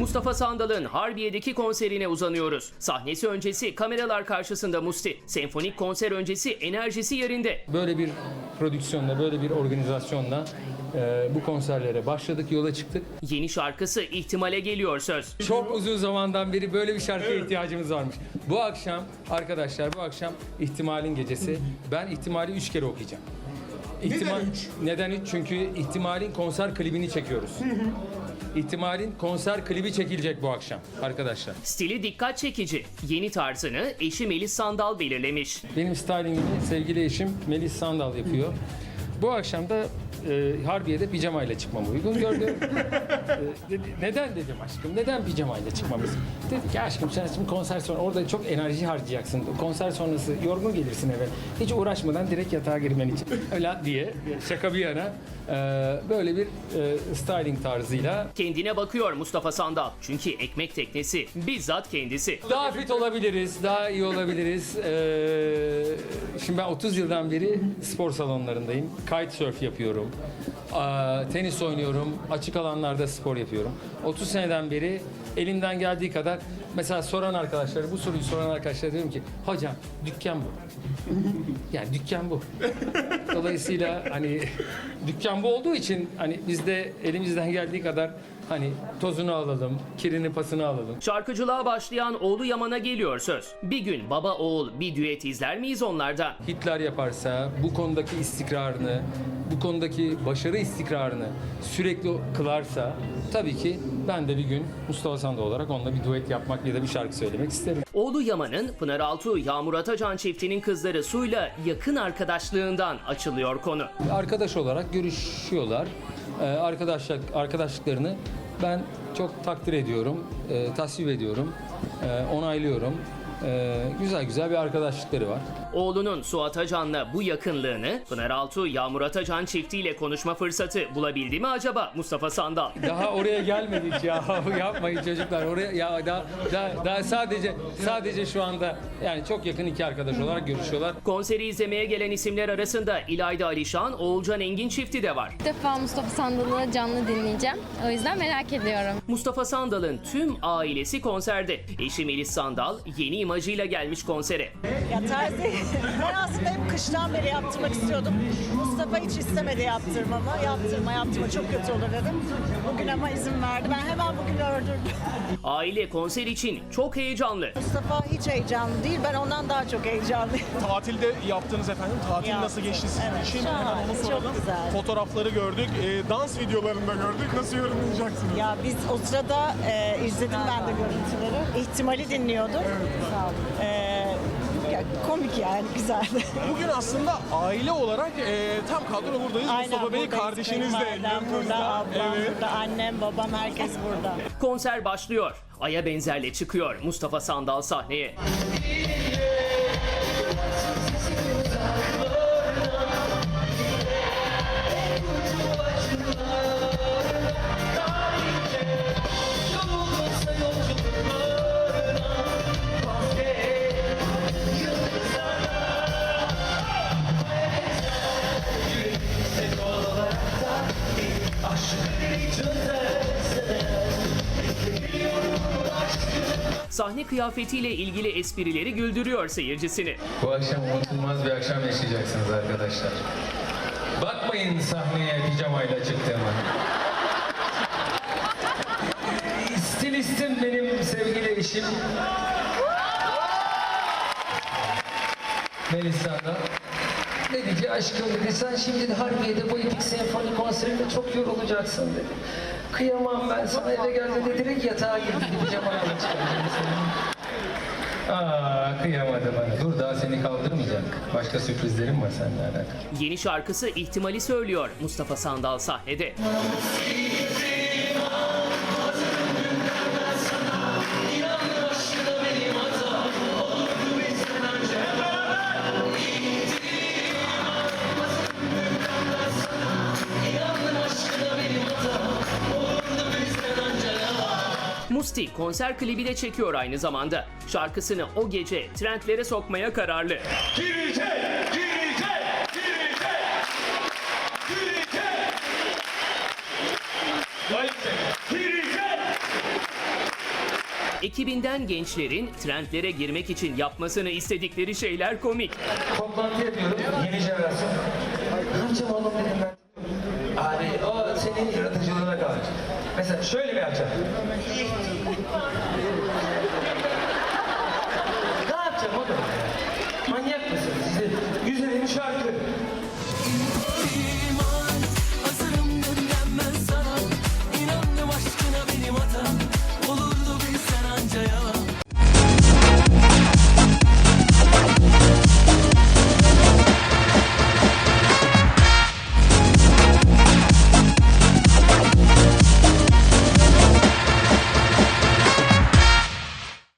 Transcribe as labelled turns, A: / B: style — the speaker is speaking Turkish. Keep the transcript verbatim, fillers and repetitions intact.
A: Mustafa Sandal'ın Harbiye'deki konserine uzanıyoruz. Sahnesi öncesi kameralar karşısında Musti. Senfonik konser öncesi enerjisi yerinde.
B: Böyle bir prodüksiyonla, böyle bir organizasyonla e, bu konserlere başladık, yola çıktık.
A: Yeni şarkısı ihtimale geliyor söz.
B: Çok uzun zamandan beri böyle bir şarkıya ihtiyacımız varmış. Bu akşam arkadaşlar, bu akşam ihtimalin gecesi. Ben ihtimali üç kere okuyacağım. İhtimal, neden üç? Neden üç? Çünkü ihtimalin konser klibini çekiyoruz. İhtimalin konser klibi çekilecek bu akşam arkadaşlar.
A: Stili dikkat çekici. Yeni tarzını eşi Melis Sandal belirlemiş.
B: Benim stylingimi sevgili eşim Melis Sandal yapıyor. Bu akşam da e, Harbiye'de pijamayla çıkmam uygun gördüm. e, dedi, neden dedim aşkım, neden pijamayla çıkmamız? Dedi ki aşkım sen şimdi konser sonra orada çok enerji harcayacaksın. Konser sonrası yorgun gelirsin eve. Hiç uğraşmadan direkt yatağa girmen için. Öyle diye şaka bir yana e, böyle bir e, styling tarzıyla.
A: Kendine bakıyor Mustafa Sandal. Çünkü ekmek teknesi bizzat kendisi.
B: Daha fit olabiliriz, daha iyi olabiliriz. Ee, şimdi ben otuz yıldan beri spor salonlarındayım. Kitesurf yapıyorum. Aa, tenis oynuyorum. Açık alanlarda spor yapıyorum. otuz seneden beri elimden geldiği kadar mesela soran arkadaşlara, bu soruyu soran arkadaşlara diyorum ki hocam dükkan bu. Yani dükkan bu. Dolayısıyla hani dükkan bu olduğu için hani biz de elimizden geldiği kadar hani tozunu alalım, kirini pasını alalım.
A: Şarkıcılığa başlayan oğlu Yaman'a geliyor söz. Bir gün baba oğul bir düet izler miyiz onlardan?
B: Hitler yaparsa, bu konudaki istikrarını, bu konudaki başarı istikrarını sürekli kılarsa tabii ki ben de bir gün Mustafa Sandal olarak onunla bir duet yapmak ya da bir şarkı söylemek isterim.
A: Oğlu Yaman'ın Pınar Altuğ, Yağmur Atacan çiftinin kızları Su'yla yakın arkadaşlığından açılıyor konu.
B: Arkadaş olarak görüşüyorlar. Ee, arkadaşlık arkadaşlıklarını ben çok takdir ediyorum, e, tasvip ediyorum, e, onaylıyorum. E, güzel güzel bir arkadaşlıkları var.
A: Oğlunun Su Atacan'la bu yakınlığını Pınar Altuğ, Yağmur Atacan çiftiyle konuşma fırsatı bulabildi mi acaba Mustafa Sandal?
B: Daha oraya gelmedik ya. Yapmayın çocuklar. Oraya ya daha, daha, daha sadece sadece şu anda yani çok yakın iki arkadaş olarak görüşüyorlar.
A: Konseri izlemeye gelen isimler arasında İlayda Alişan, Oğulcan Engin çifti de var.
C: İlk defa Mustafa Sandal'ı canlı dinleyeceğim. O yüzden merak ediyorum.
A: Mustafa Sandal'ın tüm ailesi konserde. Eşi Melis Sandal yeni imajıyla gelmiş konsere.
D: Ya terzi ben aslında hep kıştan beri yaptırmak istiyordum. Mustafa hiç istemedi yaptırmamı. Yaptırma yaptırma çok kötü olur dedim. Bugün ama izin verdi. Ben hemen bugün ördürdüm.
A: Aile konser için çok heyecanlı.
D: Mustafa hiç heyecanlı değil. Ben ondan daha çok heyecanlıyım.
E: Tatilde yaptınız efendim. Tatil
D: Yaptım.
E: nasıl geçti sizin
D: Evet,
E: için?
D: şahane,
E: Hemen onu
D: çok
E: soralım.
D: güzel.
E: Fotoğrafları gördük. E, dans videolarında gördük. Nasıl yorumlayacaksınız?
D: Ya biz o sırada e, izledim ben de görüntüleri. İhtimali dinliyorduk. Sağ olun. E, ya, komik yani güzeldi.
E: Bugün aslında aile olarak e, tam kadro buradayız. Mustafa Bey
D: buradayız.
E: kardeşiniz de
D: Kayınvalidem
E: yanınızda.
D: burada, ablam
E: Evet.
D: burada, annem, babam herkes burada.
A: Konser başlıyor. Aya benzerle çıkıyor Mustafa Sandal sahneye. Sahne kıyafetiyle ilgili esprileri güldürüyor seyircisini.
B: Bu akşam unutulmaz bir akşam yaşayacaksınız arkadaşlar. Bakmayın sahneye pijamayla çıktığıma. Stilistim benim sevgili eşim. Melis Sandal. Dedi ki aşkım dedi sen şimdi de Harbiye'de bu epik senfoni konserinde çok yorulacaksın dedi. Kıyamam ben sana eve geldiğinde direkt yatağa girdi pijamayla çıkardım seni. Aa kıyamadı bana. Dur daha seni kaldırmayacak. Başka sürprizlerim var seninle alakalı.
A: Yeni şarkısı ihtimali söylüyor Mustafa Sandal sahnede. Musti konser klibi de çekiyor aynı zamanda. Şarkısını o gece trendlere sokmaya kararlı.
E: Girecek! Girecek! Girecek! Girecek! Girecek!
A: Ekibinden gençlerin trendlere girmek için yapmasını istedikleri şeyler komik.
F: Toplantı yapıyorum, yeni jenerasyon. Ne yapacağım oğlum dedim ben. Abi o senin yaratıcılığına kalmış. Mesela şöyle mi yapacağım? Ne yapacağım oğlum? Manyak mısınız?